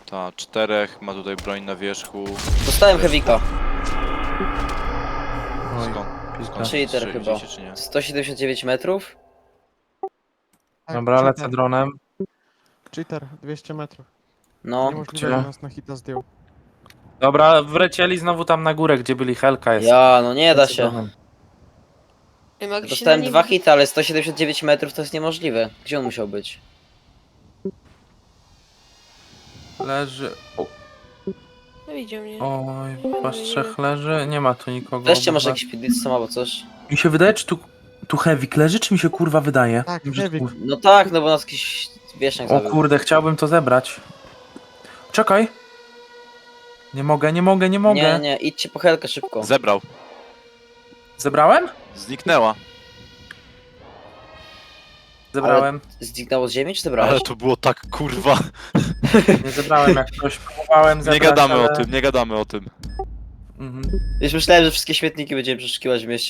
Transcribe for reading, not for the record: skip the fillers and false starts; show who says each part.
Speaker 1: Ta, 4, ma tutaj broń na wierzchu.
Speaker 2: Dostałem heavika.
Speaker 3: Oj,
Speaker 1: Skąd
Speaker 2: Cheater
Speaker 1: strzeliście,
Speaker 2: chyba.
Speaker 1: czy nie?
Speaker 2: 179 metrów?
Speaker 4: Tak,
Speaker 3: Dobra, lecę
Speaker 4: cheater.
Speaker 3: dronem.
Speaker 4: Cheater, 200 metrów.
Speaker 2: No.
Speaker 4: Niemożliwe,
Speaker 3: Gdzie?
Speaker 4: że nas na hita zdjął.
Speaker 3: Dobra, wlecieli znowu tam na górę, gdzie byli, Helka jest.
Speaker 2: Ja, no nie da
Speaker 3: Lecę
Speaker 2: się.
Speaker 3: dronem.
Speaker 5: Ej, mogę się
Speaker 2: Dostałem
Speaker 5: na nim-
Speaker 2: 2 hity, ale 179 metrów to jest niemożliwe. Gdzie on musiał być?
Speaker 3: Leży.
Speaker 5: No widział mnie.
Speaker 3: Oj, was trzech leży. Nie ma tu nikogo.
Speaker 2: Weźcie może
Speaker 3: obok was.
Speaker 2: jakiś pidlicą albo coś.
Speaker 3: Mi się wydaje, czy tu Heavy leży, czy mi się kurwa wydaje?
Speaker 4: Tak,
Speaker 3: Że
Speaker 4: Heavy.
Speaker 3: kur-
Speaker 2: No tak, no bo nas jakiś wieszniak
Speaker 3: O
Speaker 2: zabił.
Speaker 3: kurde, chciałbym to zebrać. Czekaj. Nie mogę.
Speaker 2: Nie, nie, idźcie po helkę szybko.
Speaker 1: Zebrał.
Speaker 3: Zebrałem?
Speaker 1: Zniknęła.
Speaker 3: Zebrałem.
Speaker 2: Zniknęło z ziemi, czy zebrałeś?
Speaker 1: Ale to było tak kurwa.
Speaker 3: Nie zebrałem, jak ktoś próbowałem zebrać,
Speaker 1: Nie gadamy
Speaker 3: ale...
Speaker 1: o tym, nie gadamy o tym.
Speaker 3: Mhm.
Speaker 2: Już myślałem, że wszystkie śmietniki będziemy przeszukiwać w mieście.